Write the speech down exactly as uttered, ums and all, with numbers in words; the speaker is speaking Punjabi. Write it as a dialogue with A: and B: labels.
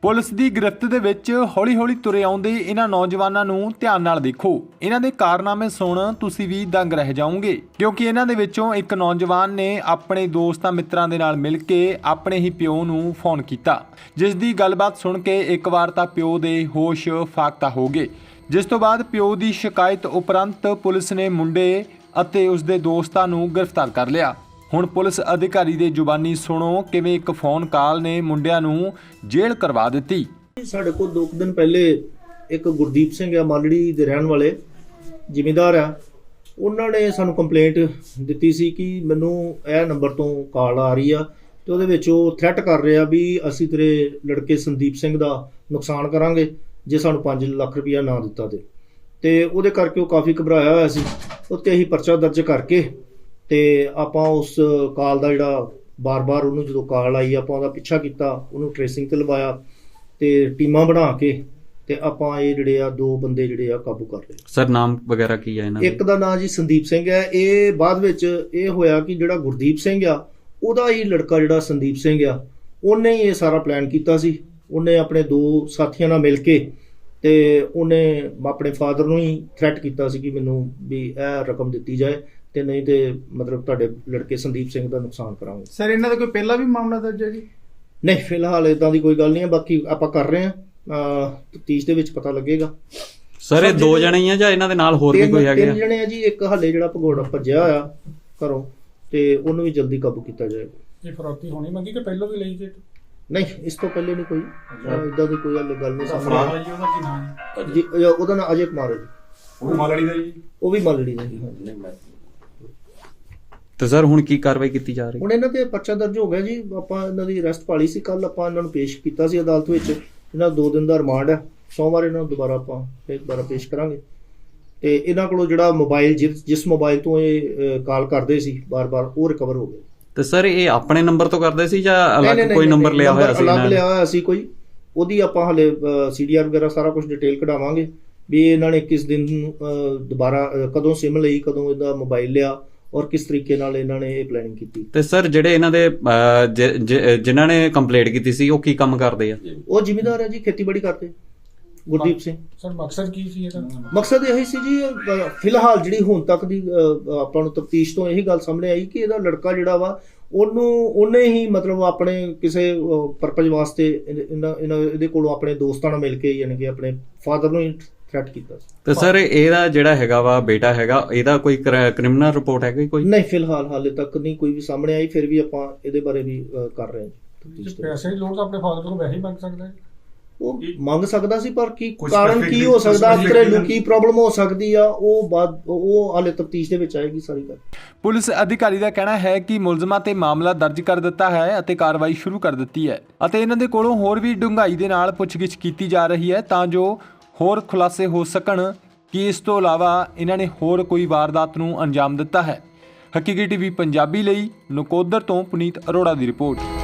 A: ਪੁਲਿਸ ਦੀ ਗ੍ਰਿਫਤ ਦੇ ਵਿੱਚ ਹੌਲੀ ਹੌਲੀ ਤੁਰੇ ਆਉਂਦੇ ਇਹਨਾਂ ਨੌਜਵਾਨਾਂ ਨੂੰ ਧਿਆਨ ਨਾਲ ਦੇਖੋ। ਇਹਨਾਂ ਦੇ ਕਾਰਨਾਮੇ ਸੁਣ ਤੁਸੀਂ ਵੀ ਦੰਗ ਰਹਿ ਜਾਓਗੇ, ਕਿਉਂਕਿ ਇਹਨਾਂ ਦੇ ਵਿੱਚੋਂ ਇੱਕ ਨੌਜਵਾਨ ਨੇ ਆਪਣੇ ਦੋਸਤਾਂ ਮਿੱਤਰਾਂ ਦੇ ਨਾਲ ਮਿਲ ਕੇ ਆਪਣੇ ਹੀ ਪਿਓ ਨੂੰ ਫੋਨ ਕੀਤਾ, ਜਿਸ ਦੀ ਗੱਲਬਾਤ ਸੁਣ ਕੇ ਇੱਕ ਵਾਰ ਤਾਂ ਪਿਓ ਦੇ ਹੋਸ਼ ਫਾਕਤਾ ਹੋ ਗਏ, ਜਿਸ ਤੋਂ ਬਾਅਦ ਪਿਓ ਦੀ ਸ਼ਿਕਾਇਤ ਉਪਰੰਤ ਪੁਲਿਸ ਨੇ ਮੁੰਡੇ ਅਤੇ ਉਸਦੇ ਦੋਸਤਾਂ ਨੂੰ ਗ੍ਰਿਫਤਾਰ ਕਰ ਲਿਆ। ਹੁਣ ਪੁਲਿਸ ਅਧਿਕਾਰੀ ਦੇ ਜ਼ੁਬਾਨੀ ਸੁਣੋ ਕਿਵੇਂ ਇੱਕ ਫੋਨ ਕਾਲ ਨੇ ਮੁੰਡਿਆਂ ਨੂੰ ਜੇਲ੍ਹ ਕਰਵਾ ਦਿੱਤੀ।
B: ਸਾਡੇ ਕੋਲ ਦੋ ਕੁ ਦਿਨ ਪਹਿਲੇ ਇੱਕ ਗੁਰਦੀਪ ਸਿੰਘ ਆ ਮਾਲੜੀ ਦੇ ਰਹਿਣ ਵਾਲੇ ਜ਼ਿਮੀਂਦਾਰ ਆ, ਉਹਨਾਂ ਨੇ ਸਾਨੂੰ ਕੰਪਲੇਂਟ ਦਿੱਤੀ ਸੀ ਕਿ ਮੈਨੂੰ ਇਹ ਨੰਬਰ ਤੋਂ ਕਾਲ ਆ ਰਹੀ ਆ ਤੇ ਉਹਦੇ ਵਿੱਚ ਉਹ ਥ੍ਰੈਟ ਕਰ ਰਿਹਾ ਵੀ ਅਸੀਂ ਤੇਰੇ ਲੜਕੇ ਸੰਦੀਪ ਸਿੰਘ ਦਾ ਨੁਕਸਾਨ ਕਰਾਂਗੇ ਜੇ ਸਾਨੂੰ ਪੰਜ ਲੱਖ ਰੁਪਇਆ ਨਾ ਦਿੱਤਾ ਤੇ ਤੇ ਉਹਦੇ ਕਰਕੇ ਉਹ ਕਾਫੀ ਘਬਰਾਇਆ ਹੋਇਆ ਸੀ। ਉੱਤੇ ਅਸੀਂ ਪਰਚਾ ਦਰਜ ਕਰਕੇ ਤੇ ਆਪਾਂ ਉਸ ਕਾਲ ਦਾ ਜਿਹੜਾ ਬਾਰ-ਬਾਰ ਉਹਨੂੰ ਜਦੋਂ ਕਾਲ ਆਈ ਆਪਾਂ ਉਹਦਾ ਪਿੱਛਾ ਕੀਤਾ, ਉਹਨੂੰ ਟ੍ਰੇਸਿੰਗ ਤੇ ਲਵਾਇਆ ਤੇ ਟੀਮਾਂ ਬਣਾ ਕੇ ਤੇ ਆਪਾਂ ਇਹ ਜਿਹੜੇ ਆ ਦੋ ਬੰਦੇ ਜਿਹੜੇ ਆ ਕਾਬੂ ਕਰ ਲਏ।
C: ਸਰ ਨਾਮ ਵਗੈਰਾ ਕੀ ਹੈ ਇਹਨਾਂ ਦਾ?
B: ਇੱਕ ਦਾ ਨਾਮ ਜੀ ਸੰਦੀਪ ਸਿੰਘ ਹੈ। ਇਹ ਬਾਅਦ ਵਿੱਚ ਇਹ ਹੋਇਆ ਕਿ ਜਿਹੜਾ ਗੁਰਦੀਪ ਸਿੰਘ ਆ ਉਹਦਾ ਹੀ ਲੜਕਾ ਜਿਹੜਾ ਸੰਦੀਪ ਸਿੰਘ ਆ ਉਹਨੇ ਹੀ ਇਹ ਸਾਰਾ ਪਲਾਨ ਕੀਤਾ ਸੀ। ਉਹਨੇ ਆਪਣੇ ਦੋ ਸਾਥੀਆਂ ਨਾਲ ਮਿਲ ਕੇ ਤੇ ਉਹਨੇ ਆਪਣੇ ਫਾਦਰ ਨੂੰ ਹੀ ਥ੍ਰੈਟ ਕੀਤਾ ਸੀ ਕਿ ਮੈਨੂੰ ਵੀ ਇਹ ਰਕਮ ਦਿੱਤੀ ਜਾਏ ਤੇ ਨਹੀਂ ਤੇ ਮਤਲਬ ਤੁਹਾਡੇ ਲੜਕੇ ਸੰਦੀਪ ਸਿੰਘ ਦਾ ਨੁਕਸਾਨ ਕਰਾਂਗੇ।
D: ਸਰ ਇਹਨਾਂ ਦਾ ਕੋਈ ਪਹਿਲਾਂ ਵੀ ਮਾਮਲਾ ਦਰਜ ਹੈ ਜੀ?
B: ਨਹੀਂ, ਫਿਲਹਾਲ ਇਦਾਂ ਦੀ ਕੋਈ ਗੱਲ ਨਹੀਂ ਹੈ, ਬਾਕੀ ਆਪਾਂ ਕਰ ਰਹੇ ਹਾਂ, ਤਫਤੀਸ਼ ਦੇ ਵਿੱਚ ਪਤਾ ਲੱਗੇਗਾ।
C: ਸਰ ਇਹ ਦੋ ਜਣੇ ਹੀ ਆ ਜਾਂ ਇਹਨਾਂ ਦੇ ਨਾਲ ਹੋਰ ਵੀ ਕੋਈ ਹੈਗੇ ਆ?
B: ਤਿੰਨ ਜਣੇ ਆ ਜੀ। ਇੱਕ ਹਾਲੇ ਜਿਹੜਾ ਭਗੌੜਾ ਭੱਜਿਆ ਹੋਇਆ ਘਰੋਂ ਤੇ ਉਹਨੂੰ ਵੀ ਜਲਦੀ ਕਾਬੂ ਕੀਤਾ ਜਾਏਗਾ।
D: ਇਹ ਫਰੌਤੀ ਹੋਣੀ ਮੰਗੀ ਕਿ ਪਹਿਲਾਂ ਵੀ ਲਈ ਜੇ?
B: ਨਹੀਂ, ਇਸ ਤੋਂ ਪਹਿਲੇ ਨਹੀਂ ਕੋਈ ਇਦਾਂ ਦੀ ਕੋਈ ਗੱਲ ਨਹੀਂ ਸਾਹਮਣੇ ਆਈ।
D: ਉਹਦਾ ਕੀ ਨਾਮ ਹੈ
B: ਜੀ? ਉਹਦਾ ਨਾਮ ਅਜੇ ਕੁਮਾਰ ਹੈ ਜੀ।
D: ਉਹ ਮਾਲੜੀ ਦਾ ਜੀ?
B: ਉਹ ਵੀ ਮਾਲੜੀ ਦਾ ਜੀ।
C: ਤੇ ਸਰ ਹੁਣ ਕੀ ਕਾਰਵਾਈ ਕੀਤੀ ਜਾ ਰਹੀ?
B: ਹੁਣ ਇਹਨਾਂ ਤੇ ਪਰਚਾ ਦਰਜ ਹੋ ਗਿਆ ਜੀ। ਆਪਾਂ ਇਹਨਾਂ ਦੀ ਅਰੈਸਟ ਪਾਲੀ ਸੀ, ਕੱਲ ਆਪਾਂ ਇਹਨਾਂ ਨੂੰ ਪੇਸ਼ ਕੀਤਾ ਸੀ ਅਦਾਲਤ ਵਿੱਚ। ਇਹਨਾਂ ਦੋ ਦਿਨ ਦਾ ਰਿਮਾਂਡ ਹੈ, ਸੋਮਵਾਰ ਇਹਨਾਂ ਨੂੰ ਦੁਬਾਰਾ ਆਪਾਂ ਫਿਰ ਦੁਬਾਰਾ ਪੇਸ਼ ਕਰਾਂਗੇ। ਤੇ ਇਹਨਾਂ ਕੋਲੋਂ ਜਿਹੜਾ ਮੋਬਾਈਲ ਜਿਸ ਜਿਸ ਮੋਬਾਈਲ ਤੋਂ ਇਹ ਕਾਲ ਕਰਦੇ ਸੀ ਬਾਰ-ਬਾਰ ਉਹ ਰਿਕਵਰ ਹੋ ਗਿਆ।
C: ਤੇ ਸਰ ਇਹ ਆਪਣੇ ਨੰਬਰ ਤੋਂ ਕਰਦੇ ਸੀ ਜਾਂ ਅਲੱਗ ਕੋਈ ਨੰਬਰ ਲਿਆ ਹੋਇਆ ਸੀ?
B: ਅਲੱਗ ਲਿਆ ਹੋਇਆ ਸੀ ਕੋਈ, ਉਹਦੀ ਆਪਾਂ ਹਲੇ ਸੀਡੀਆਰ ਵਗੈਰਾ ਸਾਰਾ ਕੁਝ ਡਿਟੇਲ ਕਢਾਵਾਂਗੇ ਵੀ ਇਹਨਾਂ ਨੇ ਕਿਸ ਦਿਨ ਦੁਬਾਰਾ ਕਦੋਂ ਸਿਮ ਲਈ, ਕਦੋਂ ਇਹਦਾ ਮੋਬਾਈਲ ਲਿਆ ਔਰ ਕਿਸ ਤਰੀਕੇ ਨਾਲ ਇਹਨਾਂ ਨੇ ਇਹ ਪਲੈਨਿੰਗ ਕੀਤੀ।
C: ਤੇ ਸਰ ਜਿਹੜੇ ਇਹਨਾਂ ਦੇ ਜਿਨ੍ਹਾਂ ਨੇ ਕੰਪਲੇਂਟ ਕੀਤੀ ਸੀ ਉਹ ਕੀ ਕੰਮ ਕਰਦੇ ਆ?
B: ਉਹ ਜ਼ਿਮੀਂਦਾਰ ਹੈ ਜੀ, ਖੇਤੀਬਾੜੀ ਕਰਦੇ। ਗੁਰਦੀਪ ਸਿੰਘ।
D: ਸਰ ਮਕਸਦ ਕੀ ਸੀ ਇਹਦਾ?
B: ਮਕਸਦ ਇਹ ਸੀ ਜੀ, ਫਿਲਹਾਲ ਜਿਹੜੀ ਹੁਣ ਤੱਕ ਦੀ ਆਪਾਂ ਨੂੰ ਤਫਤੀਸ਼ ਤੋਂ ਇਹੀ ਗੱਲ ਸਾਹਮਣੇ ਆਈ ਕਿ ਇਹਦਾ ਲੜਕਾ ਜਿਹੜਾ ਵਾ ਉਹਨੂੰ ਉਹਨੇ ਹੀ ਮਤਲਬ ਆਪਣੇ ਕਿਸੇ ਪਰਪਸ ਵਾਸਤੇ ਇਹਨਾਂ ਇਹਦੇ ਕੋਲੋਂ ਆਪਣੇ ਦੋਸਤਾਂ ਨਾਲ ਮਿਲ ਕੇ ਯਾਨੀ ਕਿ ਆਪਣੇ ਫਾਦਰ ਨੂੰ ਥ੍ਰੈਟ ਕੀਤਾ ਸੀ।
C: ਤੇ ਸਰ ਇਹਦਾ ਜਿਹੜਾ ਹੈਗਾ ਵਾ ਬੇਟਾ ਹੈਗਾ, ਇਹਦਾ ਕੋਈ ਕ੍ਰਿਮੀਨਲ ਰਿਪੋਰਟ ਹੈਗੀ ਕੋਈ?
B: ਨਹੀਂ, ਫਿਲਹਾਲ ਹਾਲੇ ਤੱਕ ਨਹੀਂ ਕੋਈ ਵੀ ਸਾਹਮਣੇ ਆਈ। ਫਿਰ ਵੀ ਆਪਾਂ ਇਹਦੇ ਬਾਰੇ ਵੀ ਕਰ ਰਹੇ ਹਾਂ।
D: ਪੈਸੇ ਦੀ ਲੋੜ ਤਾਂ ਆਪਣੇ ਫਾਦਰ ਕੋਲ ਵੈਸੇ ਹੀ ਮੰਗ ਸਕਦਾ ਹੈ।
B: ਉਹ ਮੰਗ ਸਕਦਾ ਸੀ ਪਰ ਕੀ ਕਾਰਨ ਕੀ ਹੋ ਸਕਦਾ, ਘਰੇਲੂ ਕੀ ਪ੍ਰੋਬਲਮ ਹੋ ਸਕਦੀ ਆ, ਉਹ ਬਾਅਦ ਉਹ ਹਾਲੇ ਤਫਤੀਸ਼ ਦੇ ਵਿੱਚ ਆਏਗੀ ਸਾਰੀ ਗੱਲ।
A: ਪੁਲਿਸ ਅਧਿਕਾਰੀ ਦਾ ਕਹਿਣਾ ਹੈ ਕਿ ਮੁਲਜ਼ਮਾਂ ਤੇ ਮਾਮਲਾ ਦਰਜ ਕਰ ਦਿੱਤਾ ਹੈ ਅਤੇ ਕਾਰਵਾਈ ਸ਼ੁਰੂ ਕਰ ਦਿੱਤੀ ਹੈ ਅਤੇ ਇਹਨਾਂ ਦੇ ਕੋਲੋਂ ਹੋਰ ਵੀ ਡੂੰਘਾਈ ਦੇ ਨਾਲ ਪੁੱਛਗਿੱਛ ਕੀਤੀ ਜਾ ਰਹੀ ਹੈ ਤਾਂ ਜੋ ਹੋਰ ਖੁਲਾਸੇ ਹੋ ਸਕਣ ਕਿ ਇਸ ਤੋਂ ਇਲਾਵਾ ਇਹਨਾਂ ਨੇ ਹੋਰ ਕੋਈ ਵਾਰਦਾਤ ਨੂੰ ਅੰਜਾਮ ਦਿੱਤਾ ਹੈ। ਹਕੀਕੀ ਟੀਵੀ ਪੰਜਾਬੀ ਲਈ ਨਕੋਦਰ ਤੋਂ ਪੁਨੀਤ ਅਰੋੜਾ ਦੀ ਰਿਪੋਰਟ।